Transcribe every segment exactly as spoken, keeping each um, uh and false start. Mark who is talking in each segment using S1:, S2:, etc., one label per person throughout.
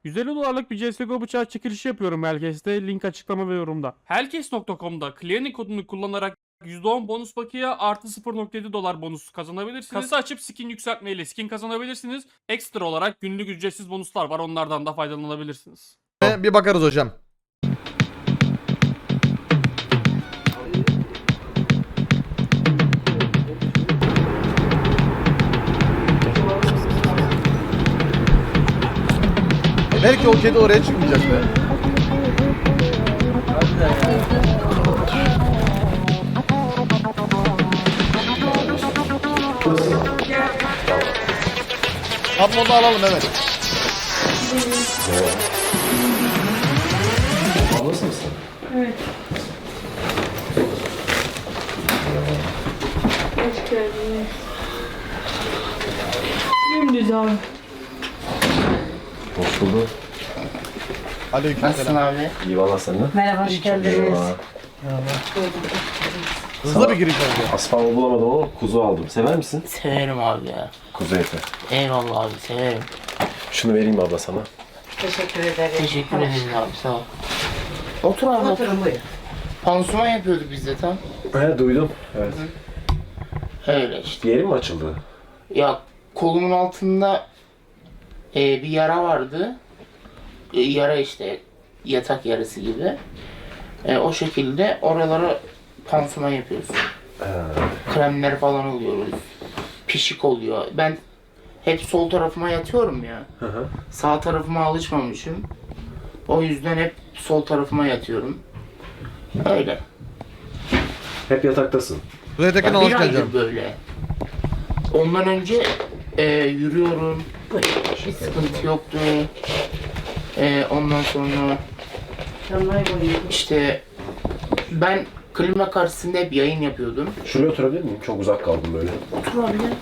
S1: yüz elli dolarlık bir C S G O bıçağı çekilişi yapıyorum Hellcase'de. Link açıklama ve yorumda. Hellcase nokta com'da Clearing kodunu kullanarak yüzde on bonus bakiye artı sıfır nokta yedi dolar bonus kazanabilirsiniz. Kasa açıp skin yükseltmeyle skin kazanabilirsiniz. Ekstra olarak günlük ücretsiz bonuslar var. Onlardan da faydalanabilirsiniz.
S2: Bir bakarız hocam. Belki o kedi oraya çıkmayacak be. Abi onu alalım evet.
S3: Ablası mısın?
S4: Evet. Hoş geldiniz. Dümdüz abi.
S3: Hoş bulduk.
S2: Aleykümselam.
S5: abi?
S3: İyi valla senden.
S5: Merhaba, hoş geldiniz.
S3: Eyvallah.
S2: Hızlı bir giriş oldu.
S3: Asfaltı bulamadım ama kuzu aldım. Sever misin?
S5: Severim abi ya.
S3: Kuzu eti.
S5: Eyvallah abi, severim.
S3: Şunu vereyim abla sana.
S6: Teşekkür ederim.
S5: Teşekkür ederim abi, sağ ol. Otur abi, otur.
S6: Oturun buyurun.
S5: Pansuman yapıyorduk biz de tam.
S3: He duydum. Evet.
S5: Öyle işte.
S3: Yerin mi açıldı?
S5: Ya kolumun altında e, bir yara vardı. E, yara işte, yatak yarası gibi. E, o şekilde oralara pansuman yapıyoruz. Kremler falan oluyoruz. Pişik oluyor. Ben hep sol tarafıma yatıyorum ya.
S3: Hı hı.
S5: Sağ tarafıma alışmamışım. O yüzden hep sol tarafıma yatıyorum. Öyle.
S3: Hep yataktasın.
S2: Buraya tekrar
S5: Ya
S2: hoş
S5: bir aydır
S2: geleceğim.
S5: böyle. Ondan önce e, yürüyorum. Hiç sıkıntı yoktu. E, ondan sonra işte ben klima karşısında hep yayın yapıyordum.
S3: Şuraya oturabilir miyim? Çok uzak kaldım böyle.
S5: Otur abi ya.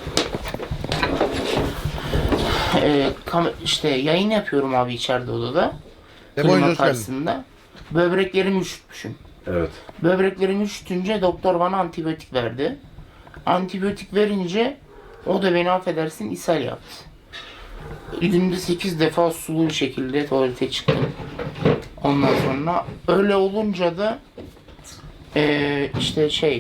S5: E, kam- işte yayın yapıyorum abi içeride odada.
S2: Ebo hoş
S5: Klima
S2: geldin.
S5: karşısında. Böbreklerimi üşütmüşüm.
S3: Evet.
S5: Böbreklerimi üşütünce doktor bana antibiyotik verdi. Antibiyotik verince o da beni affedersin ishal yaptı. Günde sekiz defa sulu bir şekilde tuvalete çıktım. Ondan sonra öyle olunca da eee, işte şey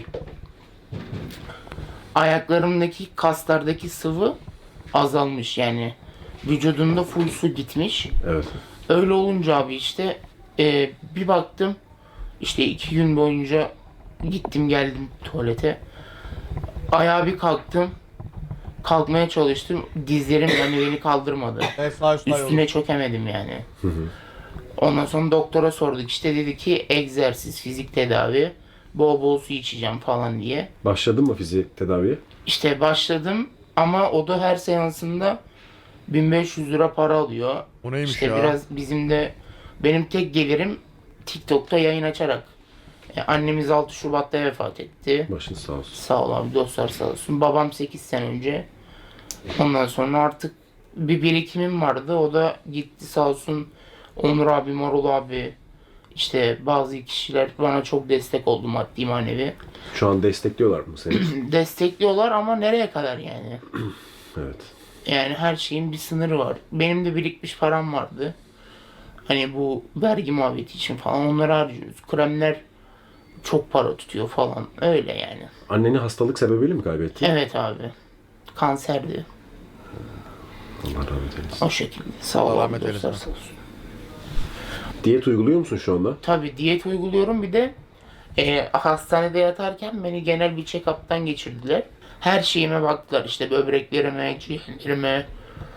S5: ayaklarımdaki kaslardaki sıvı azalmış, yani vücudumda full su gitmiş.
S3: Evet.
S5: Öyle olunca abi işte eee, bir baktım işte iki gün boyunca gittim geldim tuvalete. Ayağa bir kalktım. Kalkmaya çalıştım. Dizlerim yani beni kaldırmadı.
S2: Evet sağ üstte yol.
S5: Üstüne çökemedim yani. Ondan sonra doktora sorduk. İşte dedi ki egzersiz, fizik tedavi, bol bol su içeceğim falan diye.
S3: Başladın mı fizik tedaviye?
S5: İşte başladım ama o da her seansında bin beş yüz lira para alıyor.
S2: Bu neymiş
S5: İşte
S2: ya?
S5: biraz bizim de benim tek gelirim TikTok'ta yayın açarak. E, annemiz altı Şubat'ta vefat etti.
S3: Başın sağ olsun.
S5: Sağ ol abi, dostlar sağ olsun. Babam sekiz sene önce. Ondan sonra artık bir birikimim vardı. O da gitti sağ olsun. Onur abi, Marul abi, işte bazı kişiler bana çok destek oldu, maddi manevi.
S3: Şu an destekliyorlar mı seni?
S5: Destekliyorlar ama nereye kadar yani?
S3: Evet.
S5: Yani her şeyin bir sınırı var. Benim de birikmiş param vardı. Hani bu vergi muhabbeti için falan onları harcıyoruz. Kremler çok para tutuyor falan. Öyle yani.
S3: Anneni hastalık sebebiyle mi kaybettin?
S5: Evet abi. Kanserdi.
S3: Allah rahmet eylesin.
S5: O şekilde. Sağ ol
S2: Allah
S5: abi,
S2: rahmet
S5: dostlar
S2: eylesin.
S5: sağ olsun.
S3: Diyet uyguluyor musun şu anda?
S5: Tabii diyet uyguluyorum, bir de e, hastanede yatarken beni genel bir check-up'tan geçirdiler. Her şeyime baktılar, işte böbreklerime, ciğerlerime.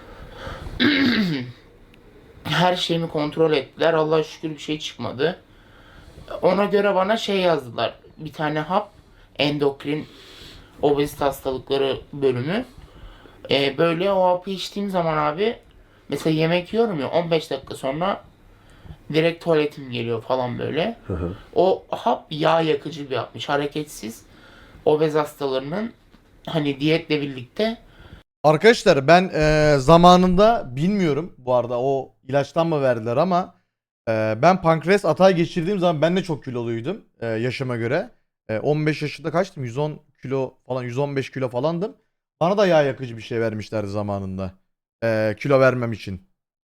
S5: Her şeyimi kontrol ettiler. Allah'a şükür bir şey çıkmadı. Ona göre bana şey yazdılar. Bir tane hap, endokrin obezite hastalıkları bölümü. E, böyle o hapı içtiğim zaman abi, mesela yemek yiyorum ya, on beş dakika sonra direkt tuvaletim geliyor falan böyle.
S3: Hı hı.
S5: O hap yağ yakıcı bir hapmış. Hareketsiz obez hastalarının hani diyetle birlikte.
S2: Arkadaşlar ben e, zamanında bilmiyorum bu arada o ilaçtan mı verdiler ama e, ben pankreas atağı geçirdiğim zaman ben de çok kiloluydum e, yaşıma göre. E, on beş yaşında kaçtım? yüz on kilo falan, yüz on beş kilo falandım. Bana da yağ yakıcı bir şey vermişlerdi zamanında. E, kilo vermem için.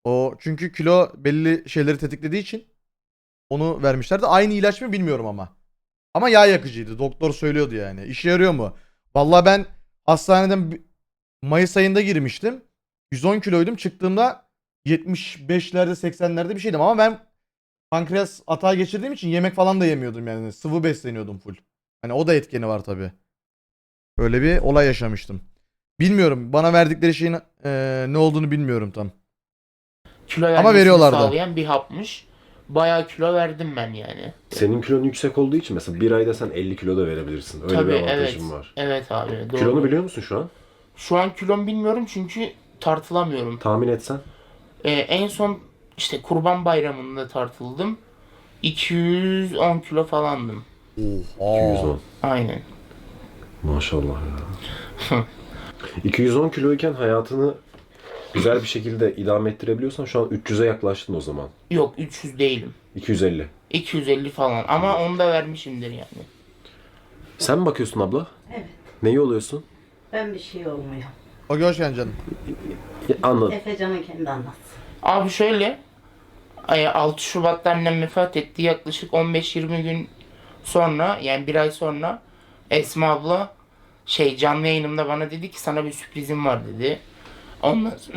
S2: O çünkü kilo belli şeyleri tetiklediği için onu vermişlerdi. Aynı ilaç mı bilmiyorum ama. Ama yağ yakıcıydı. Doktor söylüyordu yani. İşe yarıyor mu? Vallahi ben hastaneden bi- Mayıs ayında girmiştim. yüz on kiloydum. Çıktığımda yetmiş beşlerde seksenlerde bir şeydim ama ben pankreas atağı geçirdiğim için yemek falan da yemiyordum yani. Sıvı besleniyordum full. Hani o da etkeni var tabii. Böyle bir olay yaşamıştım. Bilmiyorum. Bana verdikleri şeyin eee, ne olduğunu bilmiyorum tam.
S5: Kilo
S2: Ama
S5: vermesini
S2: veriyorlardı.
S5: sağlayan bir hapmış. Bayağı kilo verdim ben yani.
S3: Senin kilon yüksek olduğu için mesela bir ayda sen elli kilo da verebilirsin. Öyle
S5: Tabii
S3: bir
S5: evet.
S3: avantajın var.
S5: Evet abi doğru.
S3: Kilonu biliyor musun şu an?
S5: Şu an kilom bilmiyorum çünkü tartılamıyorum.
S3: Tahmin etsen.
S5: Ee, en son işte Kurban Bayramı'nda tartıldım. iki yüz on kilo falandım.
S3: iki yüz on.
S5: Aynen.
S3: Maşallah ya. iki yüz on kiloyken hayatını güzel bir şekilde idame ettirebiliyorsan şu an üç yüze yaklaştın o zaman.
S5: Yok üç yüz değilim.
S3: iki yüz elli.
S5: iki yüz elli falan ama onu da vermişimdir yani.
S3: Sen mi bakıyorsun abla?
S6: Evet.
S3: Neyi oluyorsun?
S6: Ben bir şey olmuyor.
S2: O hoş geldin canım.
S3: Ya, anladım.
S6: Efecan'ın kendi anlatsın.
S5: Abi şöyle ay, altı Şubat'ta annem vefat etti. Yaklaşık on beş yirmi gün sonra yani bir ay sonra Esma abla şey canlı yayınımda bana dedi ki sana bir sürprizim var dedi. Ondan sonra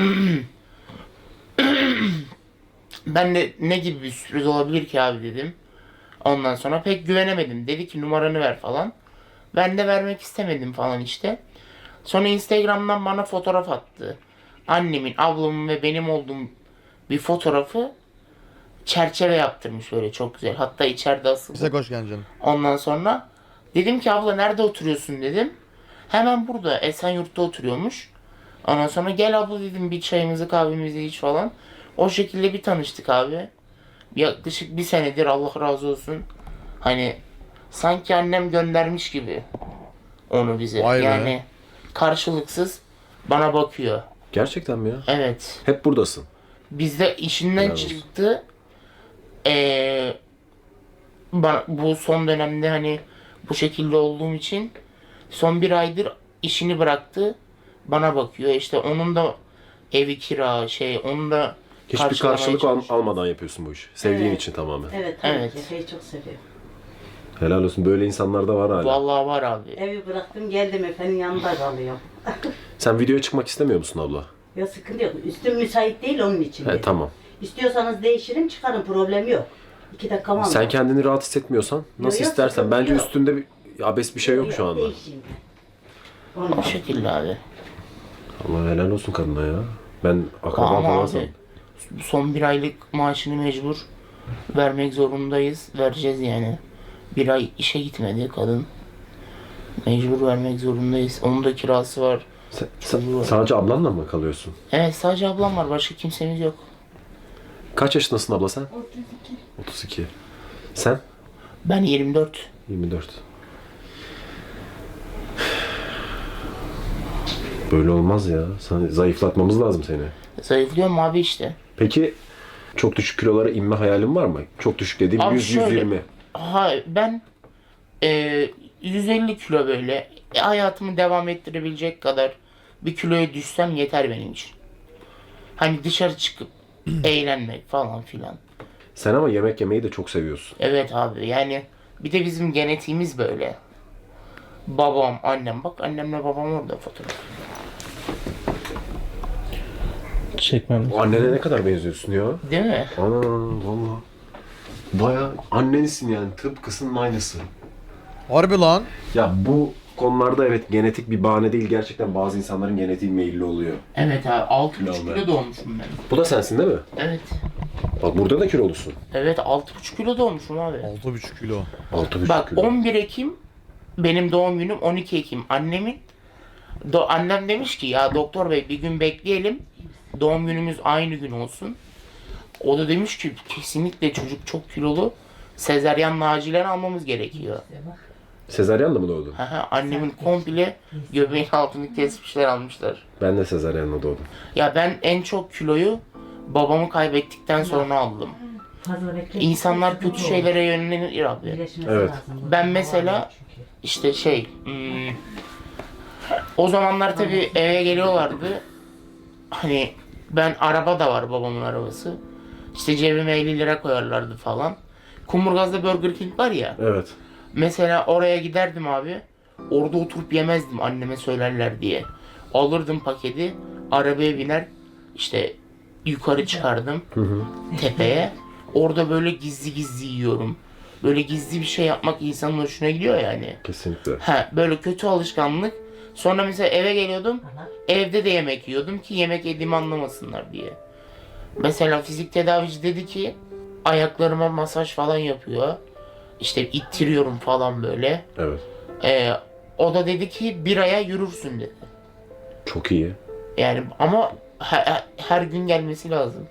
S5: ben de ne gibi bir sürpriz olabilir ki abi dedim. Ondan sonra pek güvenemedim. Dedi ki numaranı ver falan. Ben de vermek istemedim falan işte. Sonra Instagram'dan bana fotoğraf attı. Annemin, ablamın ve benim olduğum bir fotoğrafı çerçeve yaptırmış böyle çok güzel. Hatta içeride asılı.
S2: Bize hoş geldin canım.
S5: Ondan sonra dedim ki abla nerede oturuyorsun dedim. Hemen burada Esenyurt'ta oturuyormuş. Ondan sonra gel abla dedim bir çayımızı kahvemizi iç falan. O şekilde bir tanıştık abi. Yaklaşık bir senedir Allah razı olsun. Hani sanki annem göndermiş gibi onu bize.
S2: Vay be.
S5: Yani karşılıksız bana bakıyor.
S3: Gerçekten mi ya?
S5: Evet.
S3: Hep buradasın.
S5: Bizde işinden
S3: Helal olsun.
S5: çıktı. Ee, bana, bu son dönemde hani bu şekilde olduğum için son bir aydır işini bıraktı. Bana bakıyor. İşte onun da evi kira şey onun da
S3: Hiçbir
S5: karşılamaya
S3: karşılık al-
S5: çalışıyor.
S3: almadan yapıyorsun bu işi. Sevdiğin
S6: Evet.
S3: için tamamen.
S6: Evet, tabii
S5: Evet.
S6: ki. Efe'yi çok seviyorum.
S3: Helal olsun. Böyle insanlar da var hala.
S5: Vallahi var abi.
S6: Evi bıraktım geldim Efe'nin yanında kalıyorum.
S3: Sen videoya çıkmak istemiyor musun abla?
S6: Ya sıkıntı yok. Üstüm müsait değil onun için.
S3: He,
S6: dedim.
S3: tamam.
S6: İstiyorsanız değişirim çıkarın problem yok. İki dakika var.
S3: Sen kendini rahat hissetmiyorsan nasıl
S6: yok,
S3: istersen.
S6: sıkıntı
S3: Bence
S6: yok.
S3: üstünde bir abes bir şey yok şu anda.
S6: Değişeyim ben. Onun
S5: O
S6: için.
S5: şekilde abi.
S3: Allah helal olsun kadına ya. Ben akraba
S5: Ama
S3: falan
S5: abi
S3: sandım.
S5: son bir aylık maaşını mecbur vermek zorundayız. Vereceğiz yani. Bir ay işe gitmedi kadın. Mecbur vermek zorundayız. Onun da kirası var.
S3: Sen, sen
S5: Çocuğu var.
S3: sadece ablanla mı kalıyorsun?
S5: Evet sadece ablam var. Başka kimsemiz yok.
S3: Kaç yaşındasın abla sen? otuz iki. otuz iki. Sen?
S5: Ben yirmi dört.
S3: yirmi dört. Böyle olmaz ya. Sen, zayıflatmamız lazım seni.
S5: Zayıflıyorum abi işte.
S3: Peki çok düşük kilolara inme hayalin var mı? Çok düşük dediğim
S5: Abi
S3: yüz
S5: şöyle-
S3: yüz yirmi.
S5: Ha ben e, yüz elli kilo böyle e, hayatımı devam ettirebilecek kadar bir kiloya düşsem yeter benim için. Hani dışarı çıkıp eğlenmek falan filan.
S3: Sen ama yemek yemeyi de çok seviyorsun.
S5: Evet abi yani bir de bizim genetiğimiz böyle. Babam, annem bak annemle babam orada fotoğraf.
S7: Çekmem.
S3: O annene ne kadar benziyorsun ya?
S5: Değil mi?
S3: Ana valla. Baya annenisin yani tıpkısının aynısı.
S2: Harbi lan.
S3: Ya bu konularda evet genetik bir bahane değil. Gerçekten bazı insanların genetiği meyilli oluyor.
S5: Evet abi altı buçuk
S3: Kilo
S5: kilo doğmuşum ben.
S3: Bu da sensin değil mi?
S5: Evet.
S3: Bak burada da kilolusun.
S5: Evet altı buçuk kilo doğmuşum abi.
S2: altı buçuk kilo.
S3: altı buçuk
S5: Bak
S3: kilo.
S5: on bir Ekim benim doğum günüm, on iki Ekim annemin. Do- annem demiş ki ya doktor bey bir gün bekleyelim. Doğum günümüz aynı gün olsun. O da demiş ki kesinlikle çocuk çok kilolu. Sezaryenle acilen almamız gerekiyor.
S3: Sezaryenle mi doğdun?
S5: Haha, annemin komple göbeğin altını kesmişler almışlar.
S3: Ben de sezaryenle doğdum.
S5: Ya ben en çok kiloyu babamı kaybettikten sonra aldım.
S6: Fazla bekle.
S5: İnsanlar kötü şeylere yönelir abi.
S6: Birleşmesi
S3: Evet.
S6: lazım.
S5: Ben mesela işte şey hmm, o zamanlar tabii eve geliyorlardı. Hani Ben araba da var, babamın arabası. İşte cebime elli lira koyarlardı falan. Kumburgaz'da Burger King var ya.
S3: Evet.
S5: Mesela oraya giderdim abi. Orada oturup yemezdim anneme söylerler diye. Alırdım paketi, arabaya biner, işte yukarı çıkardım
S3: Hı hı.
S5: tepeye. Orada böyle gizli gizli yiyorum. Böyle gizli bir şey yapmak insanın hoşuna gidiyor yani.
S3: Kesinlikle.
S5: Ha, böyle kötü alışkanlık. Sonra mesela eve geliyordum. Evde de yemek yiyordum ki yemek yediğimi anlamasınlar diye. Mesela fizik tedavici dedi ki ayaklarıma masaj falan yapıyor. İşte ittiriyorum falan böyle.
S3: Evet.
S5: Ee, o da dedi ki bir aya yürürsün dedi.
S3: Çok iyi.
S5: Yani ama her, her gün gelmesi lazım.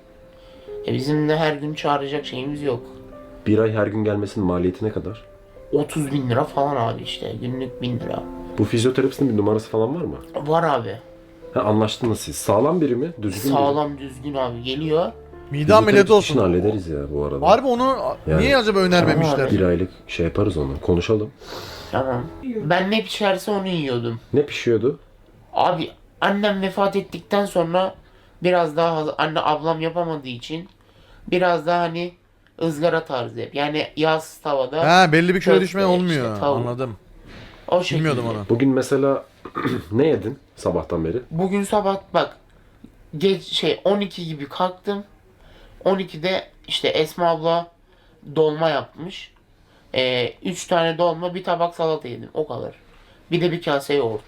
S5: E bizim de her gün çağıracak şeyimiz yok.
S3: Bir ay her gün gelmesinin maliyeti ne kadar?
S5: otuz bin lira falan abi işte. Günlük bin lira.
S3: Bu fizyoterapistin bir numarası falan var mı?
S5: Var abi.
S3: Ha, anlaştınız siz. Sağlam biri mi? Düzgün biri mi?
S5: Sağlam düzgün abi geliyor.
S2: Mide ameliyatı
S3: Fizyoterapist işini
S2: olsun.
S3: hallederiz ya bu arada.
S2: Harbi onu
S3: Yani-
S2: niye acaba önermemişler?
S3: Bir aylık şey yaparız onu. Konuşalım.
S5: Tamam. Ben ne pişerse onu yiyordum.
S3: Ne pişiyordu?
S5: Abi annem vefat ettikten sonra biraz daha haz- anne ablam yapamadığı için biraz daha hani ızgara tarzı hep. Yani yağsız tavada
S2: Ha belli bir kilo
S5: köfte,
S2: düşme olmuyor.
S5: işte tavuk.
S2: Anladım.
S5: o şekilde.
S2: Bilmiyordum onu.
S3: Bugün mesela ne yedin sabahtan beri?
S5: Bugün sabah bak geç şey on iki gibi kalktım. on ikide işte Esma abla dolma yapmış. Ee, üç tane dolma, bir tabak salata yedim. O kadar. Bir de bir kase yoğurt.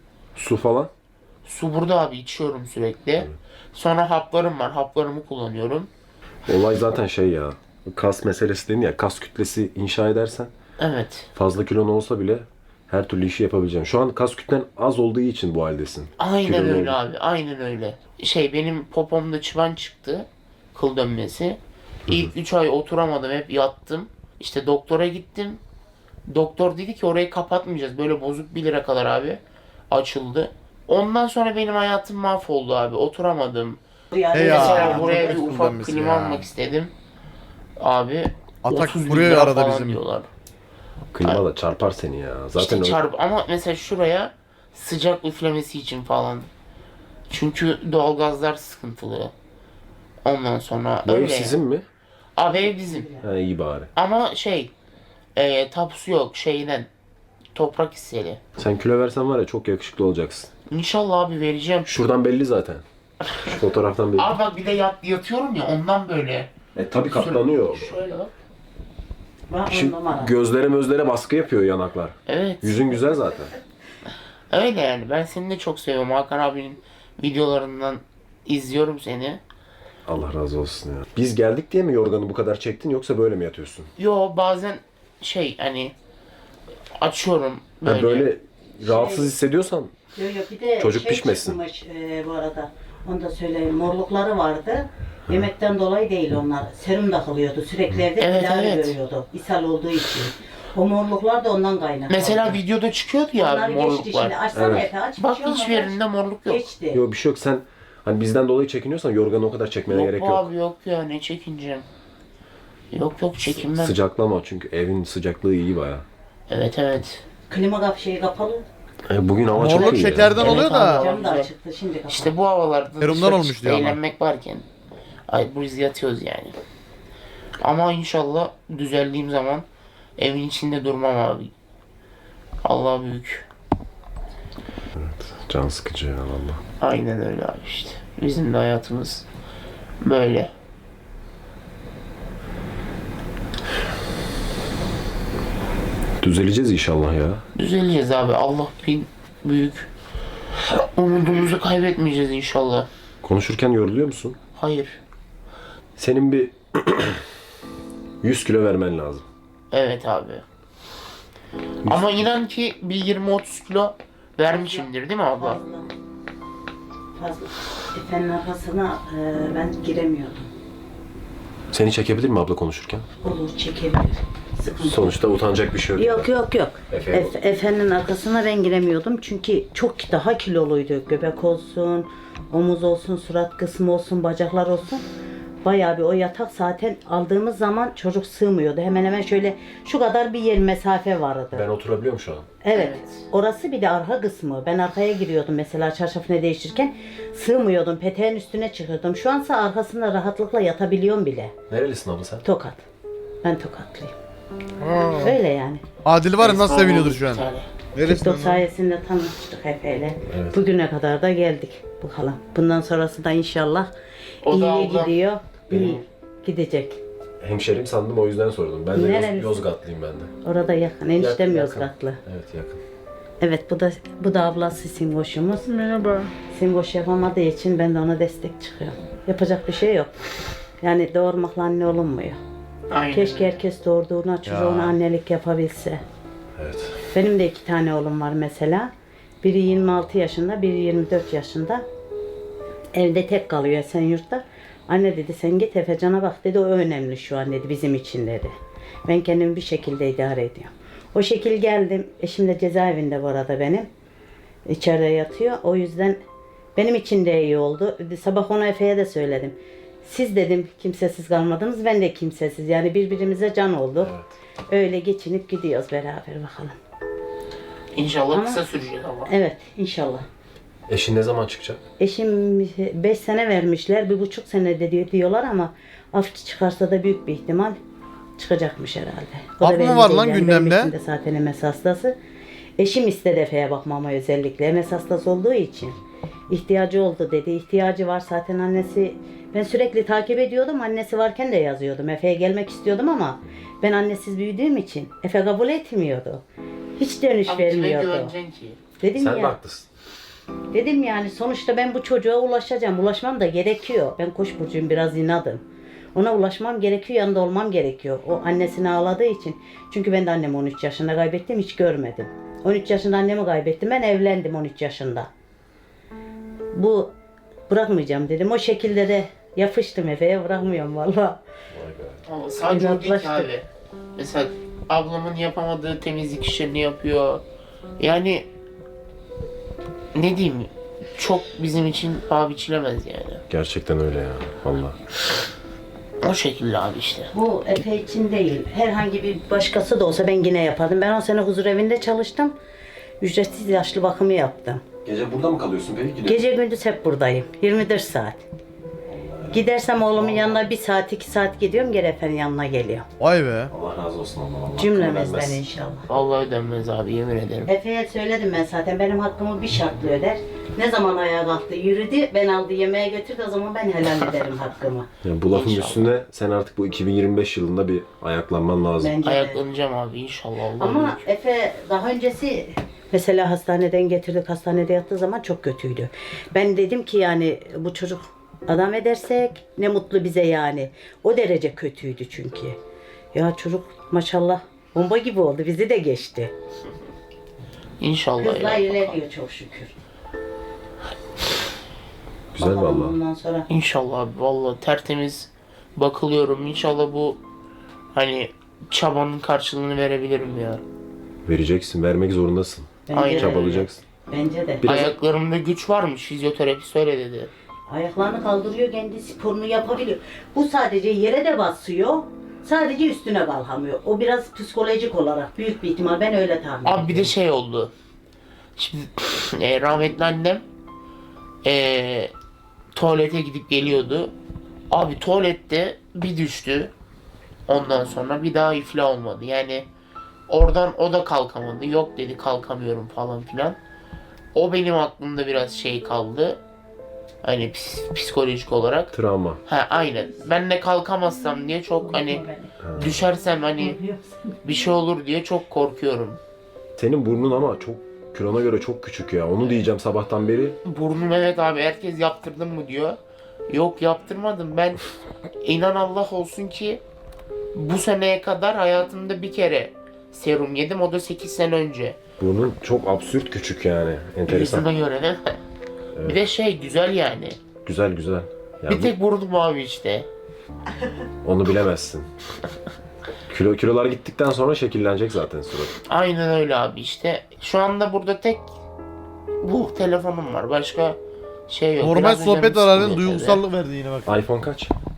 S3: Su falan?
S5: Su burada abi, içiyorum sürekli. Sonra haplarım var. Haplarımı kullanıyorum.
S3: Olay zaten şey ya. Kas meselesi dedin ya. Kas kütlesi inşa edersen
S5: Evet.
S3: fazla kilon olsa bile her türlü işi yapabileceksin. Şu an kas kütlen az olduğu için bu haldesin.
S5: Aynen
S3: Kilolu
S5: öyle
S3: oldun.
S5: abi. Aynen öyle. Şey benim popomda çıban çıktı. Kıl dönmesi. İlk üç ay oturamadım. Hep yattım. İşte doktora gittim. Doktor dedi ki orayı kapatmayacağız. Böyle bozuk bir lira kadar abi. Açıldı. Ondan sonra benim hayatım mahvoldu abi. Oturamadım.
S6: Ya,
S2: Hey ya.
S5: Mesela buraya bir
S2: çok
S5: ufak
S2: kullanması
S5: klima
S2: ya.
S5: almak istedim. Abi
S2: Atak
S5: otuz bin
S2: buraya
S5: lira
S2: arada
S5: falan
S2: bizim.
S5: diyorlar.
S3: Klima da çarpar seni ya. Zaten
S5: İşte
S3: o-
S5: çarp ama mesela şuraya sıcak üflemesi için falan. Çünkü doğalgazlar sıkıntılı. Ondan sonra
S3: bu ev
S5: öyle.
S3: sizin mi?
S5: Abi ev bizim.
S3: Ha, iyi bari.
S5: Ama şey e, tapusu yok şeyden. Toprak hisseli.
S3: Sen kilo versen var ya çok yakışıklı olacaksın.
S5: İnşallah abi vereceğim.
S3: Şuradan belli zaten. Şu fotoğraftan belli.
S5: Abi bak bir de yat, yatıyorum ya ondan böyle.
S3: E tabi katlanıyor.
S5: Şöyle bak.
S6: Bak on
S3: Şimdi
S6: numara.
S3: gözlere mözlere baskı yapıyor yanaklar.
S5: Evet.
S3: Yüzün güzel zaten.
S5: Öyle yani. Ben seni de çok seviyorum. Hakan abinin videolarından izliyorum seni.
S3: Allah razı olsun ya. Biz geldik diye mi yorganı bu kadar çektin yoksa böyle mi yatıyorsun?
S5: Yo bazen şey hani açıyorum
S3: Böyle,
S5: böyle.
S3: böyle rahatsız hissediyorsan
S6: Yok yok bir de
S3: Çocuk
S6: şey
S3: pişmesin.
S6: çıkmış e, bu arada. Onu da söyleyeyim. Morlukları vardı. Yemekten dolayı değil onlar. Serum takılıyordu. Sürekli evde
S5: Evet,
S6: tedavi
S5: evet.
S6: görüyordu. İshal olduğu için. O morluklar da ondan kaynaklı.
S5: Mesela videoda çıkıyordu ya
S6: Onlar
S5: abi
S6: geçti
S5: morluklar.
S6: şimdi. Açsana
S3: Evet.
S6: Efe aç.
S5: Bak
S6: bir şey
S5: hiçbir
S6: olmaz.
S5: yerinde morluk yok.
S6: Geçti.
S3: yok bir şey yok. Sen hani bizden dolayı çekiniyorsan yorganı o kadar çekmene
S5: Yok
S3: gerek
S5: bu
S3: yok.
S5: abi yok ya ne çekineceğim. Yok yok çekinmem.
S3: Sıcaklama çünkü evin sıcaklığı iyi baya.
S5: Evet evet.
S6: Klima kap şeyi kapalı.
S3: E, bugün hava çok
S2: Morluk
S3: iyi ya.
S2: şekerden
S5: Evet
S2: oluyor
S5: abi,
S2: da.
S5: o-
S6: Cam da
S5: güzel.
S6: açıktı şimdi kapalı.
S5: İşte bu havalarda
S2: Serumdan
S5: dışarı
S2: olmuş
S5: çıkıp
S2: diyor ama.
S5: eğlenmek varken. Ay biz yatıyoruz yani. Ama inşallah düzeldiğim zaman evin içinde durmam abi. Allah büyük.
S3: Can sıkıcı ya valla.
S5: Aynen öyle abi işte. Bizim de hayatımız böyle.
S3: Düzeleceğiz inşallah ya.
S5: Düzeleceğiz abi. Allah bin büyük. Umudumuzu kaybetmeyeceğiz inşallah.
S3: Konuşurken yoruluyor musun?
S5: Hayır.
S3: Senin bir yüz kilo vermen lazım.
S5: Evet abi. Ama inan ki bir yirmi otuz kilo vermişimdir değil mi abla?
S6: Fazla. Fazla. Efe'nin arkasına e, ben giremiyordum.
S3: Seni çekebilir mi abla konuşurken?
S6: Olur çekebilir. Sıkıntı yok.
S3: Sonuçta utanacak bir şey yok.
S6: Yok yok yok.
S3: Efe'ye
S6: Efe, Efe'nin arkasına ben giremiyordum çünkü çok daha kiloluydu. Göbek olsun, omuz olsun, surat kısmı olsun, bacaklar olsun. bayağı bir o yatak zaten aldığımız zaman çocuk sığmıyordu. Hemen hemen şöyle şu kadar bir yer mesafe vardı.
S3: Ben oturabiliyorum şu an.
S6: Evet.
S5: Evet.
S6: Orası bir de arka kısmı. Ben arkaya giriyordum mesela çarşafını değiştirirken. Sığmıyordum. Peteğin üstüne çıkıyordum. Şu ansa arkasında rahatlıkla yatabiliyorum bile.
S3: Nerelisin abla sen?
S6: Tokat. Ben Tokatlıyım. Öyle yani.
S2: Adil var ya nasıl
S5: Esma
S2: seviniyordur
S5: oldu
S2: şu an.
S5: bir tane.
S2: Neresi
S6: TikTok
S2: lan?
S6: sayesinde tanıştık Efe'yle.
S3: Evet.
S6: Bugüne kadar da geldik. Bakalım. Bundan sonrası da inşallah
S5: O da
S6: iyiye
S5: ablam.
S6: gidiyor.
S3: Benim-
S6: İyi gidecek.
S3: Hemşerim sandım o yüzden sordum. Ben de Yoz-
S6: Nerelisin?
S3: Yozgatlıyım ben de.
S6: Orada yakın. Eniştem
S3: Yakın,
S6: Yozgatlı.
S3: Evet yakın.
S6: Evet bu da bu da ablası Simboş'umuz.
S4: Merhaba.
S6: Simboş yapamadığı için ben de ona destek çıkıyorum. Yapacak bir şey yok. Yani doğurmakla anne olunmuyor.
S5: Aynen.
S6: Keşke herkes doğurduğuna çocuğuna annelik yapabilse.
S3: Evet.
S6: Benim de iki tane oğlum var mesela. Biri yirmi altı yaşında, biri yirmi dört yaşında. Evde tek kalıyor Esenyurt'ta. Anne dedi sen git Efecan'a bak dedi, o önemli şu an dedi bizim için dedi. Ben kendimi bir şekilde idare ediyorum. O şekil geldim. Eşim de cezaevinde bu arada benim. İçeride yatıyor. O yüzden benim için de iyi oldu. Sabah ona Efe'ye de söyledim. Siz dedim kimsesiz kalmadınız, ben de kimsesiz. Yani birbirimize can olduk. Öyle geçinip gidiyoruz beraber bakalım.
S5: İnşallah
S6: Ama-
S5: kısa sürecek ama.
S6: Evet inşallah.
S3: Eşin ne zaman çıkacak?
S6: Eşim beş sene vermişler, bir buçuk sene de diyor- diyorlar ama af çıkarsa da büyük bir ihtimal çıkacakmış herhalde. O
S2: Af
S6: da
S2: mı
S6: benim
S2: var
S6: değil
S2: lan
S6: yani,
S2: gündemde?
S6: benim eşim de zaten M S hastası. Eşim istedi Efe'ye bakmama özellikle. M S hastası olduğu için ihtiyacı oldu dedi. İhtiyacı var zaten annesi. Ben sürekli takip ediyordum. Annesi varken de yazıyordum. Efe'ye gelmek istiyordum ama ben annesiz büyüdüğüm için Efe kabul etmiyordu. Hiç dönüş
S5: Abi kime
S6: vermiyordu.
S5: güveneceksin ki?
S6: Dedim
S3: Sen de
S6: ya.
S3: haklısın.
S6: Dedim yani sonuçta ben bu çocuğa ulaşacağım. Ulaşmam da gerekiyor. Ben Koç burcuyum, biraz inadım. Ona ulaşmam gerekiyor, yanında olmam gerekiyor. O annesini ağladığı için. Çünkü ben de annemi on üç yaşında kaybettim, hiç görmedim. on üç yaşında annemi kaybettim, ben evlendim on üç yaşında. Bu bırakmayacağım dedim. O şekilde de yapıştım Efe'ye, bırakmıyorum valla.
S3: Vay be.
S5: Ama sadece o değil ki
S6: İnatlaştık.
S5: abi. Mesela ablamın yapamadığı temizlik işlerini yapıyor. Yani ne diyeyim, çok bizim için paha biçilemez yani.
S3: Gerçekten öyle ya. Vallahi.
S5: O şekilde abi işte.
S6: Bu Efe için değil. Herhangi bir başkası da olsa ben yine yapardım. Ben on sene huzur evinde çalıştım. Ücretsiz yaşlı bakımı yaptım.
S3: Gece burada mı kalıyorsun peki? Gidiyor.
S6: Gece gündüz hep buradayım. yirmi dört saat. Gidersem oğlumun yanına bir saat iki saat gidiyorum. Geri efendim yanına geliyorum.
S2: Vay be.
S3: Allah razı olsun Allah. Allah
S6: Cümlemizden
S3: vermez.
S6: inşallah.
S5: Vallahi ödenmez abi, yemin ederim.
S6: Efe'ye söyledim ben zaten, benim hakkımı bir şartla öder. Ne zaman ayağa kalktı yürüdü, ben aldı yemeğe götürdü, o zaman ben helal ederim hakkımı.
S3: Yani bu lafın
S5: İnşallah.
S3: üstüne sen artık bu iki bin yirmi beş yılında bir ayaklanman lazım.
S6: Bence de.
S5: Ayaklanacağım abi inşallah. Allah
S6: Ama
S5: bilir.
S6: Efe daha öncesi mesela hastaneden getirdik, hastanede yattığı zaman çok kötüydü. Ben dedim ki yani bu çocuk adam edersek ne mutlu bize yani. O derece kötüydü çünkü. Ya çocuk maşallah bomba gibi oldu, bizi de geçti.
S5: İnşallah
S6: Hızla
S5: ya.
S6: ilerliyor çok şükür.
S3: Güzel
S6: Bakalım
S3: vallahi.
S6: bundan sonra.
S5: İnşallah abi, vallahi tertemiz bakılıyorum. İnşallah bu hani çabanın karşılığını verebilirim ya.
S3: Vereceksin, vermek zorundasın.
S6: Bence
S5: Aynen.
S6: de.
S3: Çabalayacaksın.
S6: Bence de.
S3: Biraz-
S5: Ayaklarımda güç varmış, fizyoterapist öyle dedi.
S6: Ayaklarını kaldırıyor, kendi sporunu yapabiliyor. Bu sadece yere de basıyor. Sadece üstüne kalkamıyor. O biraz psikolojik olarak büyük bir ihtimal, ben öyle tahmin ediyorum.
S5: Abi bir de şey oldu. Şimdi e, rahmetli annem e, tuvalete gidip geliyordu. Abi tuvalette bir düştü. Ondan sonra bir daha iflah olmadı. Yani oradan o da kalkamadı. Yok dedi, kalkamıyorum falan filan. O benim aklımda biraz şey kaldı. Hani ps- psikolojik olarak.
S3: Travma.
S5: Ha aynen. Ben de kalkamazsam diye çok hani düşersem hani bir şey olur diye çok korkuyorum.
S3: Senin burnun ama çok kilona göre çok küçük ya. Onu diyeceğim sabahtan beri.
S5: Burnum, evet abi, herkes yaptırdın mı diyor. Yok yaptırmadım. Ben inan Allah olsun ki bu seneye kadar hayatımda bir kere serum yedim. O da sekiz sene önce.
S3: Burnun çok absürt küçük yani.
S5: Birisine
S3: Enteresan.
S5: göre değil mi? Bir de şey güzel yani.
S3: Güzel güzel. Yani
S5: Bir tek burnum abi işte.
S3: bu- onu bilemezsin. Kilo kilolar gittikten sonra şekillenecek zaten surat.
S5: Aynen öyle abi işte. Şu anda burada tek bu telefonum var. Başka şey yok.
S2: Normal
S5: Biraz önce
S2: sohbet
S5: bir
S2: ararın
S5: sıkılıyor
S2: duygusallık verdi yine bak.
S3: iPhone kaç?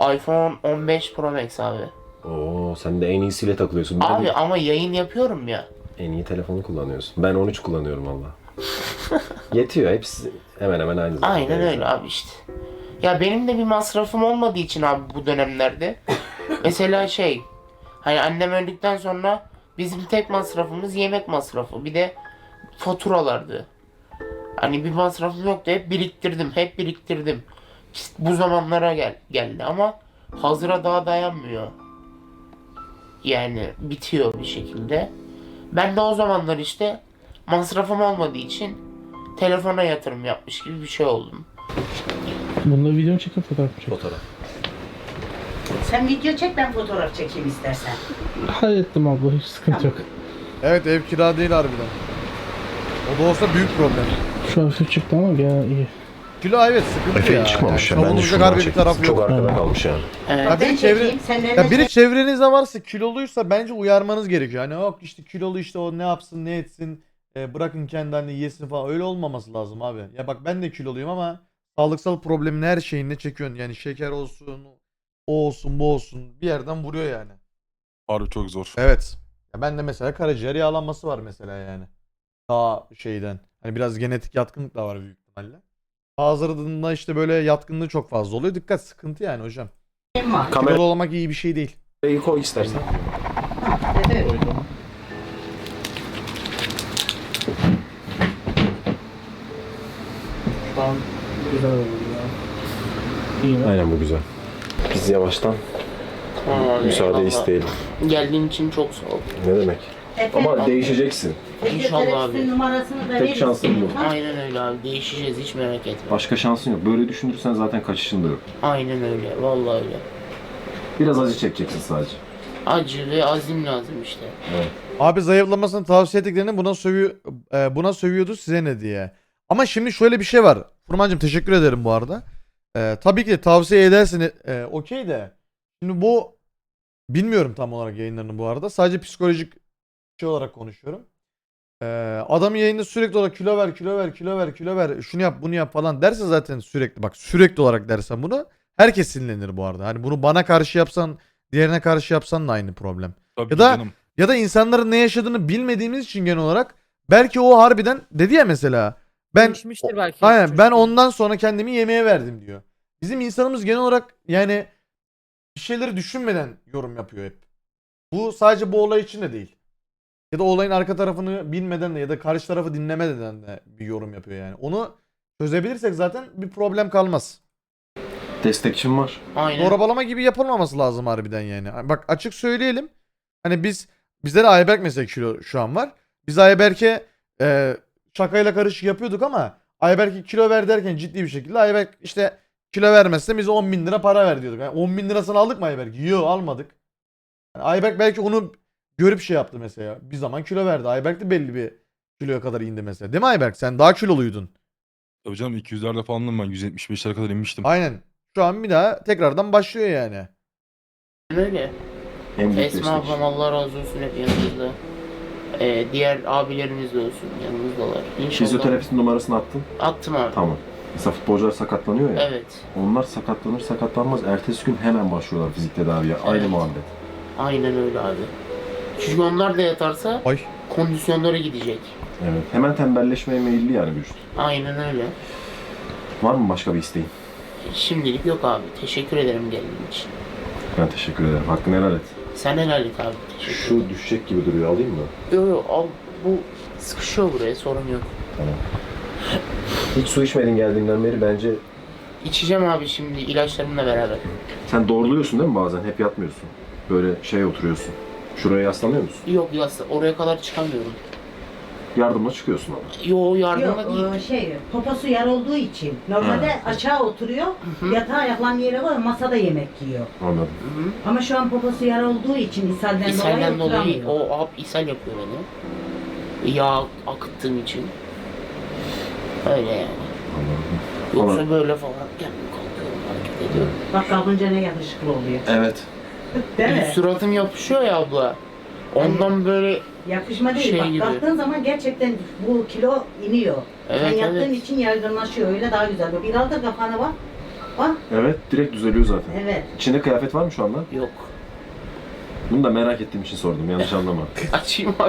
S5: iPhone on beş Pro Max abi.
S3: Oo, sen de en iyisiyle takılıyorsun. Ben
S5: Abi
S3: de
S5: ama yayın yapıyorum ya.
S3: en iyi telefonu kullanıyorsun. Ben on üç kullanıyorum valla. Yetiyor. Hepsi hemen hemen aynı zaten.
S5: Aynen öyle abi işte. Ya benim de bir masrafım olmadığı için abi bu dönemlerde. Mesela şey, hani annem öldükten sonra bizim tek masrafımız yemek masrafı. Bir de faturalardı. Hani bir masrafım yoktu. Hep biriktirdim, hep biriktirdim. İşte bu zamanlara gel geldi ama hazıra daha dayanmıyor. Yani bitiyor bir şekilde. Ben de o zamanlar işte masrafım olmadığı için telefona yatırım yapmış gibi bir şey oldum.
S7: Bunda video çekin, fotoğraf mı çekin?
S3: Fotoğraf.
S6: Sen video çek, ben fotoğraf çekeyim istersen.
S7: Hallettim abla, hiç sıkıntı yok.
S2: Evet, ev kira değil harbiden. O da olsa büyük problem.
S7: Şu hafif çıktı ama gene iyi.
S2: Kilo evet sıkıntı
S3: Efe
S2: ya.
S3: hiç çıkmamış ya.
S2: Yani
S3: Bence
S2: savunulacak
S3: şuradan
S2: harbi bir
S3: çektim.
S2: tarafı
S3: Çok
S2: yok.
S3: arkada
S7: Ha.
S3: kalmış yani.
S5: Evet.
S2: Ya biri
S6: Ben
S2: çevre...
S6: çekeyim, sen de
S2: Ya biri çevrenizde varsa kiloluysa bence uyarmanız gerekiyor. Hani yok işte kilolu işte o ne yapsın ne etsin e, bırakın kendi halini yesin falan, öyle olmaması lazım abi. Ya bak ben de kiloluyum ama sağlıksal problemin her şeyini çekiyorsun. Yani şeker olsun, o olsun, bu olsun, bir yerden vuruyor yani.
S8: Harbi çok zor.
S2: Evet. Ya ben de mesela karaciğer yağlanması var mesela yani. Daha şeyden. Hani biraz genetik yatkınlık da var büyük ihtimalle. Bazılarında işte böyle yatkınlığı çok fazla oluyor. Dikkat, sıkıntı yani hocam.
S6: var.
S2: Kilolu olmak iyi bir şey değil.
S3: Kamerayı koy istersen.
S6: Evet.
S7: Şu an güzel oldu ya. İyi mi?
S3: Aynen, bu güzel. Biz yavaştan
S5: Tamam abi,
S3: müsaade
S5: eyvallah.
S3: isteyelim.
S5: Geldiğin için çok sağ ol.
S3: Ne demek? Ama
S6: Ama
S3: değişeceksin.
S5: İnşallah abi.
S6: numarasını da
S3: Tek
S6: verirsin.
S3: şansın bu.
S5: Aynen öyle abi. Değişeceğiz, hiç merak etme.
S3: Başka şansın yok. Böyle düşünürsen zaten kaçışın da yok.
S5: Aynen öyle. Vallahi öyle.
S3: Biraz acı çekeceksin sadece.
S5: Acı ve azim lazım işte.
S2: Abi zayıflamasını tavsiye ettiklerini buna sövüyor, e, buna sövüyordu, size ne diye. Ama şimdi şöyle bir şey var. Furmancığım teşekkür ederim bu arada. E, tabii ki de tavsiye edersin. E, Okey de. Şimdi bu bilmiyorum tam olarak yayınlarını bu arada. Sadece psikolojik şey olarak konuşuyorum. E, adam yayında sürekli olarak kilo ver, kilo ver, kilo ver, kilo ver, şunu yap, bunu yap falan derse zaten sürekli, bak sürekli olarak dersen bunu, herkes sinirlenir bu arada. Hani bunu bana karşı yapsan, diğerine karşı yapsan da aynı problem.
S8: Tabii
S2: Ya da-
S8: canım.
S2: Ya da insanların ne yaşadığını bilmediğimiz için genel olarak belki o harbiden dedi ya mesela, ben
S9: Değişmiştir belki.
S2: aynen ben
S9: Çocuk-
S2: ondan sonra kendimi yemeğe verdim diyor. Bizim insanımız genel olarak yani bir şeyleri düşünmeden yorum yapıyor hep. Bu sadece bu olay için de değil. Ya da olayın arka tarafını bilmeden de ya da karşı tarafı dinlemeden de bir yorum yapıyor yani. Onu çözebilirsek zaten bir problem kalmaz.
S3: Destekçim var.
S5: Aynen.
S2: Zorbalama gibi yapılmaması lazım harbiden yani. Bak açık söyleyelim. Hani biz bizde de Ayberk mesela kilo şu an var. Biz Ayberk'e e, şakayla karışık yapıyorduk ama Ayberk'e kilo ver derken ciddi bir şekilde Ayberk işte kilo vermezse bize on bin lira para ver diyorduk. Yani on bin lirasını aldık mı Ayberk? Yok, almadık. Yani Ayberk belki onu görüp şey yaptı mesela. Bir zaman kilo verdi. Ayberk de belli bir kiloya kadar indi mesela. Değil mi Ayberk? Sen daha kiloluydun.
S8: Tabii canım iki yüzlerde falandım ben. yüz yetmiş beşlere kadar inmiştim.
S2: Aynen. Şu an bir daha tekrardan başlıyor yani.
S5: Öyle.
S3: En büyük
S5: Esma
S3: destekçi.
S5: ablam Allah razı olsun hep yanımızda. Ee, diğer abilerimiz de olsun yanımızdalar. İnşallah.
S3: Fizyoterapistin numarasını attın.
S5: Attım abi.
S3: Tamam. Mesela futbolcular sakatlanıyor ya.
S5: Evet.
S3: Onlar sakatlanır sakatlanmaz ertesi gün hemen başlıyorlar fizik tedaviye. Aynı
S5: Evet.
S3: muhabbet.
S5: Aynen öyle abi. Çünkü onlar da yatarsa
S2: Ay.
S5: kondisyonları gidecek.
S3: Evet. Hemen tembelleşmeye meyilli yani vücut.
S5: Aynen öyle.
S3: Var mı başka bir isteğin?
S5: Şimdilik yok abi. Teşekkür ederim geldiğin için.
S3: Ben teşekkür ederim. Hakkını helal et.
S5: Sen helal et abi. Teşekkür ederim.
S3: Şu düşecek gibi duruyor, alayım mı?
S5: Yok yok al. Bu sıkışıyor buraya, sorun yok.
S3: Tamam. Hiç su içmedin geldiğinden beri, bence
S5: İçeceğim abi şimdi ilaçlarımla beraber.
S3: sen doğruluyorsun değil mi bazen? Hep yatmıyorsun. Böyle şey oturuyorsun. Şuraya yaslanıyor musun?
S5: Yok ya oraya kadar çıkamıyorum.
S3: Yardımla çıkıyorsun ama.
S5: Yo yardımla
S6: Yok
S5: değil.
S6: o şey poposu yar olduğu için normalde aşağı oturuyor,
S5: hı.
S6: yatağa ayaklarını yere koyuyor, masada yemek yiyor.
S3: Anladım.
S5: Hı hı.
S6: Ama şu an poposu yar olduğu için ishalden,
S5: İshalden
S6: dolayı
S5: dolayı
S6: oturamıyor.
S5: o ab ishal yapıyor beni. Yağ akıttığım için. Öyle yani.
S3: Anladım.
S5: Yoksa
S3: Ama-
S5: böyle falan kendim kalkıyorum, hareket ediyorum.
S6: Bak kalkınca ne yakışıklı oluyor.
S3: Evet.
S6: Değil mi?
S5: Suratım yapışıyor ya abla. Ondan böyle
S6: Yakışma değil.
S5: Şey
S6: Bak
S5: gibi.
S6: kalktığın zaman gerçekten bu kilo iniyor.
S5: Evet,
S6: Sen yattığın
S5: evet.
S6: için yaygınlaşıyor. Öyle daha güzel. Biraz da kafana bak. Bak.
S3: Evet, direkt düzeliyor zaten.
S6: Evet.
S3: İçinde kıyafet var mı şu anda?
S5: Yok.
S3: Bunu da merak ettiğim için sordum, yanlış anlama.
S5: Açayım abi.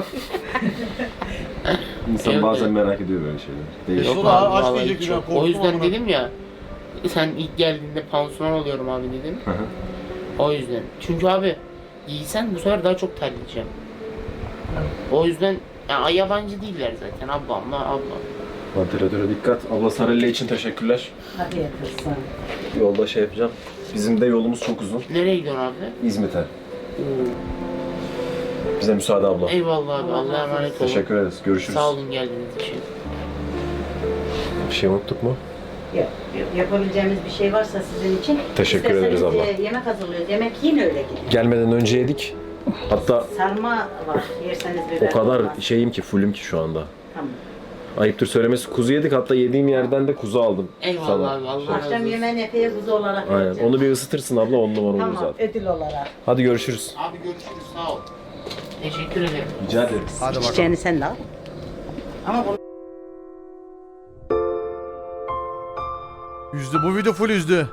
S3: İnsan
S5: Yok,
S3: bazen
S5: yok.
S3: merak ediyor böyle şeyler. Değişik.
S5: Yok
S2: Yok
S5: abi,
S2: abi, aç
S5: vallahi
S2: diyecek
S5: hiç
S2: ya,
S5: yok.
S2: korktum
S5: O yüzden
S2: amına.
S5: dedim ya, sen ilk geldiğinde pansuman oluyorum abi dedim.
S3: Hı hı.
S5: O yüzden. Çünkü abi giysen bu sefer daha çok terleyeceğim. O yüzden ya, yabancı değiller zaten ablamla ablam.
S3: Ventilatöre dikkat. Abla Sarelle için teşekkürler.
S6: Hadi yatırsın.
S3: Yolda şey yapacağım. Bizim de yolumuz çok uzun.
S5: Nereye gidiyorsun abi?
S3: İzmit'e.
S5: Oo.
S3: Bize müsaade abla.
S5: Eyvallah abi, Allah'a emanet olun.
S3: Teşekkür ederiz. Görüşürüz.
S5: Sağ olun geldiğiniz için.
S3: Bir şey unuttuk mu?
S6: Yok, yok. Yapabileceğimiz bir şey varsa sizin için.
S3: Teşekkür ederiz abla.
S6: İsterseniz, e, yemek hazırlıyoruz. Yemek yiyin öyle gidin.
S3: Gelmeden önce yedik. Hatta
S6: Sarma var. Yerseniz
S3: o
S6: biber
S3: kadar
S6: olmaz.
S3: şeyim ki, fullüm ki şu anda.
S6: Tamam.
S3: Ayıptır söylemesi, kuzu yedik. Hatta yediğim yerden de kuzu aldım.
S5: Eyvallah
S3: Sana.
S5: abi, Allah razı
S6: Akşam
S5: olsun.
S6: yemeğini epey kuzu olarak
S3: Aynen.
S6: vereceğim.
S3: Onu bir ısıtırsın abla, on numara olur
S6: Tamam,
S3: zaten.
S6: ödül olarak.
S3: Hadi görüşürüz.
S5: Abi görüşürüz, sağ ol. Teşekkür ederim.
S3: Rica ederim.
S2: Hadi bakalım.
S6: Çiçeğini sen de al. Ama bunu
S2: Üzdü. Bu video full üzdü.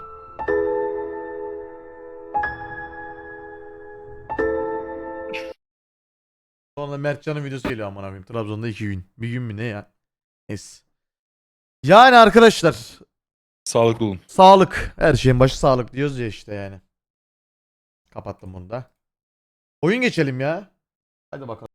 S2: Sonra Mertcan'ın videosu geliyor aman abim. Trabzon'da iki gün. Bir gün mü ne ya? Es. Yani arkadaşlar
S8: Sağlıklı olun.
S2: sağlık. Her şeyin başı sağlık diyoruz ya işte yani. Kapattım bunu da. Oyun geçelim ya. Hadi bakalım.